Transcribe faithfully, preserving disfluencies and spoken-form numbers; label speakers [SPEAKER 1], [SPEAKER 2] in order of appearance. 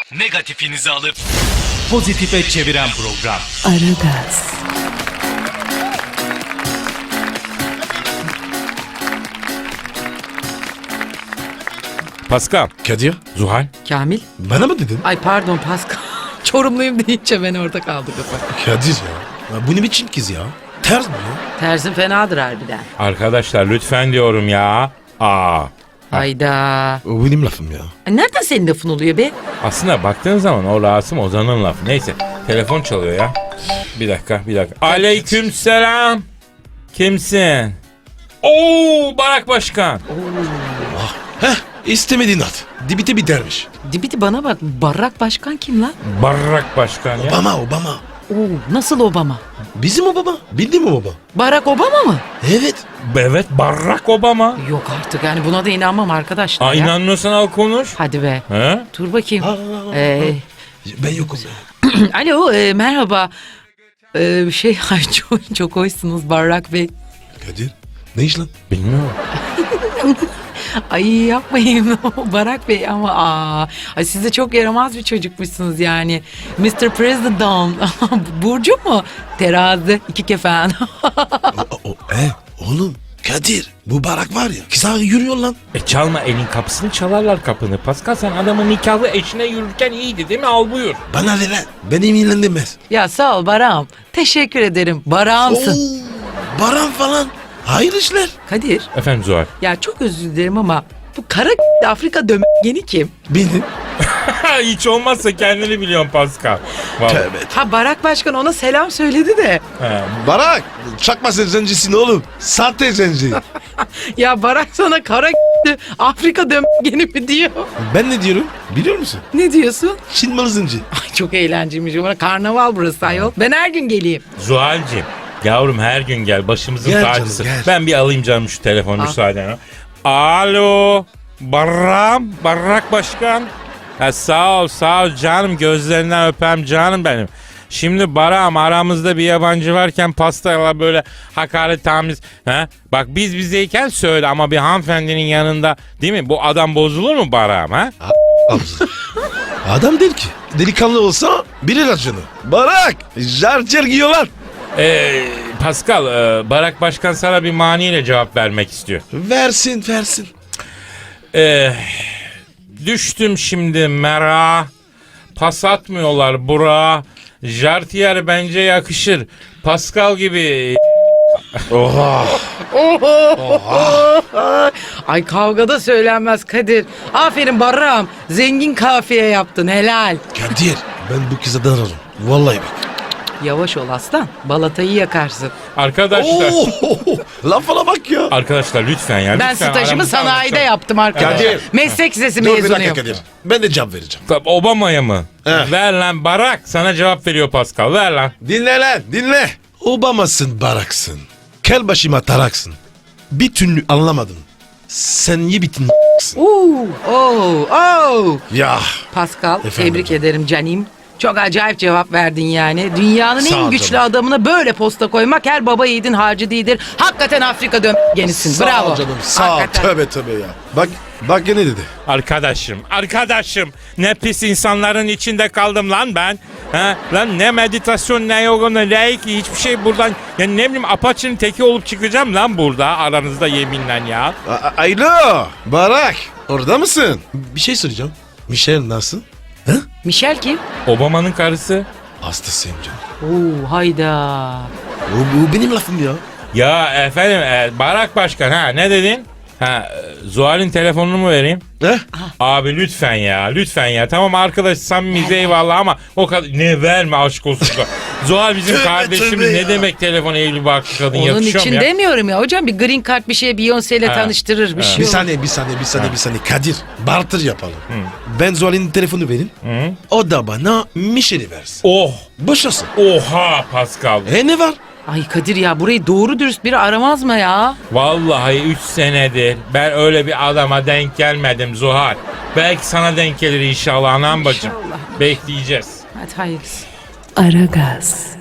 [SPEAKER 1] Negatifinizi alıp pozitife çeviren program.
[SPEAKER 2] Aragaz.
[SPEAKER 3] Pascal,
[SPEAKER 4] Kadir,
[SPEAKER 3] Zuhal.
[SPEAKER 2] Kamil.
[SPEAKER 4] bana mı dedin?
[SPEAKER 2] Ay pardon Pascal. Çorumluyum deyince ben orada kaldı kafa.
[SPEAKER 4] Kadir ya. ya bu ne biçim kız ya? Ters mi ya?
[SPEAKER 2] Tersin fenadır harbiden.
[SPEAKER 3] Arkadaşlar lütfen diyorum ya. Aa.
[SPEAKER 2] Hayda.
[SPEAKER 4] O benim lafım ya.
[SPEAKER 2] Ay, nereden senin lafın oluyor be?
[SPEAKER 3] Aslında baktığın zaman o Rasım Ozan'ın lafı. Neyse, telefon çalıyor ya. Bir dakika, bir dakika. Aleykümselam. Kimsin? Oo, Barak Başkan.
[SPEAKER 4] Heh, istemediğin at. Dibite bitermiş.
[SPEAKER 2] Dibidi bana bak. Barak Başkan kim lan?
[SPEAKER 3] Barak Başkan ya.
[SPEAKER 4] Obama, Obama.
[SPEAKER 2] Oo, nasıl Obama?
[SPEAKER 4] Bizim Obama. Bildin mi Obama?
[SPEAKER 2] Barack Obama mı?
[SPEAKER 4] Evet.
[SPEAKER 3] Evet, Barack Obama.
[SPEAKER 2] Yok artık yani buna da inanmam arkadaşlar
[SPEAKER 3] Aa,
[SPEAKER 2] ya.
[SPEAKER 3] inanmıyorsan al konuş.
[SPEAKER 2] Hadi be.
[SPEAKER 3] He?
[SPEAKER 2] Dur bakayım.
[SPEAKER 4] Ha, ha, ha,
[SPEAKER 2] Ee,
[SPEAKER 4] Ben yokum ya.
[SPEAKER 2] alo e, merhaba. Ee, şey ay çok, çok hoşsunuz Barak Bey.
[SPEAKER 4] Kadir, ne iş lan?
[SPEAKER 3] Bilmiyorum.
[SPEAKER 2] Ay yapmayın Barak Bey ama aa, ay siz de çok yaramaz bir çocukmuşsunuz yani. mister President. Burcu mu? Terazi. iki kefen.
[SPEAKER 4] o, o, e, oğlum, Kadir, bu barak var ya. Kısa yürüyor lan.
[SPEAKER 3] E çalma, elin kapısını çalarlar kapını. Pascal, sen adamın nikahlı eşine yürürken iyiydi değil mi? Al buyur.
[SPEAKER 4] Bana ne lan? Beni ilgilendirmez.
[SPEAKER 2] Ya sağ ol Barak'ım. Teşekkür ederim. Barak'ımsın.
[SPEAKER 4] Oo, Baran falan. Hayır işler.
[SPEAKER 2] Kadir.
[SPEAKER 3] Efendim Zuhal.
[SPEAKER 2] Ya çok özür dilerim ama bu kara Afrika dömeni kim?
[SPEAKER 4] Benim.
[SPEAKER 3] Hiç olmazsa kendini biliyorsun Pascal. Vallahi.
[SPEAKER 4] Tövbe.
[SPEAKER 2] Ha Barak Başkan ona selam söyledi de.
[SPEAKER 3] He.
[SPEAKER 4] Barak, çakma sen zencisin oğlum. Sahte zenci.
[SPEAKER 2] Ya Barak sana kara Afrika dömeni mi diyor?
[SPEAKER 4] Ben ne diyorum? Biliyor musun?
[SPEAKER 2] Ne diyorsun?
[SPEAKER 4] Çin malı zenci.
[SPEAKER 2] Ay çok eğlenceliymiş. Bana karnaval burası ayol. Ben her gün geleyim.
[SPEAKER 3] Zuhal'cim, yavrum her gün gel, başımızın
[SPEAKER 4] Gel
[SPEAKER 3] tacısı.
[SPEAKER 4] canım, gel.
[SPEAKER 3] Ben bir alayım canım şu telefonu
[SPEAKER 2] Al.
[SPEAKER 3] müsaadenle. Alo, Barram, Barrak Başkan. Ha, sağ ol, sağ ol canım, gözlerinden öpem canım benim. Şimdi Barak'ım, aramızda bir yabancı varken pastayla böyle hakaret tamiz. Ha? Bak biz bizeyken söyle ama bir hanımefendinin yanında değil mi? Bu adam bozulur mu Barak'ım ha?
[SPEAKER 4] Adam değil ki. Delikanlı olsa bilir acını. Barak, jarcer giyiyorlar.
[SPEAKER 3] Ee, Pascal, e, Barak Başkan sana bir maniyle cevap vermek istiyor.
[SPEAKER 4] Versin, versin.
[SPEAKER 3] Ee, düştüm şimdi mera. Pas atmıyorlar bura. Jartier bence yakışır. Pascal gibi.
[SPEAKER 4] Oha.
[SPEAKER 2] Ay kavgada söylenmez Kadir. Aferin Barak'ım. Zengin kafiye yaptın helal.
[SPEAKER 4] Kadir, ben bu kıza dararım. Vallahi bak.
[SPEAKER 2] Yavaş ol aslan. Balatayı yakarsın.
[SPEAKER 3] Arkadaşlar.
[SPEAKER 4] Oo, lafına bak ya.
[SPEAKER 3] Arkadaşlar lütfen ya.
[SPEAKER 2] Ben
[SPEAKER 3] lütfen
[SPEAKER 2] stajımı
[SPEAKER 3] aramızda
[SPEAKER 2] sanayide
[SPEAKER 3] anlaşalım.
[SPEAKER 2] yaptım arkadaşlar.
[SPEAKER 4] Kadir.
[SPEAKER 2] Meslek lisesi
[SPEAKER 4] Dur bir dakika
[SPEAKER 2] mezunuyum.
[SPEAKER 4] Kadir. Ben de cevap vereceğim.
[SPEAKER 3] Tabii, Obama'ya mı?
[SPEAKER 4] Heh.
[SPEAKER 3] Ver lan Barak, sana cevap veriyor Pascal. Ver lan.
[SPEAKER 4] Dinle lan, dinle. Obama'sın, Barak'sın. Kel başıma taraksın. Bir türlü anlamadım. Sen iyi bitin
[SPEAKER 2] Oo, oo, oo.
[SPEAKER 4] Ya.
[SPEAKER 2] Pascal
[SPEAKER 4] Efendim
[SPEAKER 2] tebrik
[SPEAKER 4] hocam.
[SPEAKER 2] ederim canim. Çok acayip cevap verdin yani. Dünyanın
[SPEAKER 4] Sağ
[SPEAKER 2] en
[SPEAKER 4] ol
[SPEAKER 2] güçlü
[SPEAKER 4] canım.
[SPEAKER 2] adamına böyle posta koymak her baba yiğidin harcı değildir. Hakikaten Afrika dömgenisin.
[SPEAKER 4] Sağ
[SPEAKER 2] Bravo.
[SPEAKER 4] ol canım, sağ ol.
[SPEAKER 2] Hakikaten.
[SPEAKER 4] Tövbe tövbe ya. Bak, bak ne dedi.
[SPEAKER 3] Arkadaşım, arkadaşım. Ne pis insanların içinde kaldım lan ben. Ha? Lan ne meditasyon, ne yoga, ne reiki, hiçbir şey buradan. Ya ne bileyim, apaçının teki olup çıkacağım lan burada aranızda yeminle ya.
[SPEAKER 4] A- a- Alo, Barak. Orada mısın? Bir şey soracağım. Michelle nasıl? Ha?
[SPEAKER 2] Michel kim?
[SPEAKER 3] Obama'nın karısı.
[SPEAKER 4] Hastasıyım canım.
[SPEAKER 2] Oo hayda.
[SPEAKER 4] O, bu benim lafım ya.
[SPEAKER 3] Ya efendim, e, Barak Başkan, ha ne dedin? Ha, e, Zuhal'in telefonunu mu vereyim?
[SPEAKER 4] He?
[SPEAKER 3] Abi lütfen ya, lütfen ya. Tamam arkadaş, samimiyiz eyvallah ama o kadar ne verme, aşk olsun. Zuhal bizim
[SPEAKER 4] Tövbe,
[SPEAKER 3] kardeşimiz,
[SPEAKER 4] tövbe
[SPEAKER 3] ne
[SPEAKER 4] ya.
[SPEAKER 3] demek telefon evli barklı kadın,
[SPEAKER 2] Onun
[SPEAKER 3] yakışıyor mu
[SPEAKER 2] için
[SPEAKER 3] ya?
[SPEAKER 2] demiyorum ya hocam, bir green card bir şey Beyoncé ile
[SPEAKER 3] Ha.
[SPEAKER 2] tanıştırır bir
[SPEAKER 3] Ha.
[SPEAKER 2] şey
[SPEAKER 4] Bir
[SPEAKER 2] olur.
[SPEAKER 4] saniye, bir saniye, bir saniye, bir saniye. Kadir, barter yapalım. Ben Zuhal'in telefonu vereyim.
[SPEAKER 3] Hı?
[SPEAKER 4] O da bana Michelle'i versin.
[SPEAKER 3] Oh,
[SPEAKER 4] Boşasın.
[SPEAKER 3] oha Pascal.
[SPEAKER 4] E ne var?
[SPEAKER 2] Ay Kadir ya, burayı doğru dürüst biri aramaz mı ya?
[SPEAKER 3] Vallahi üç senedir ben öyle bir adama denk gelmedim Zuhal. Belki sana denk gelir inşallah anam bacım.
[SPEAKER 2] İnşallah.
[SPEAKER 3] Bekleyeceğiz.
[SPEAKER 2] Hadi hayırlısı.
[SPEAKER 5] Aragaz.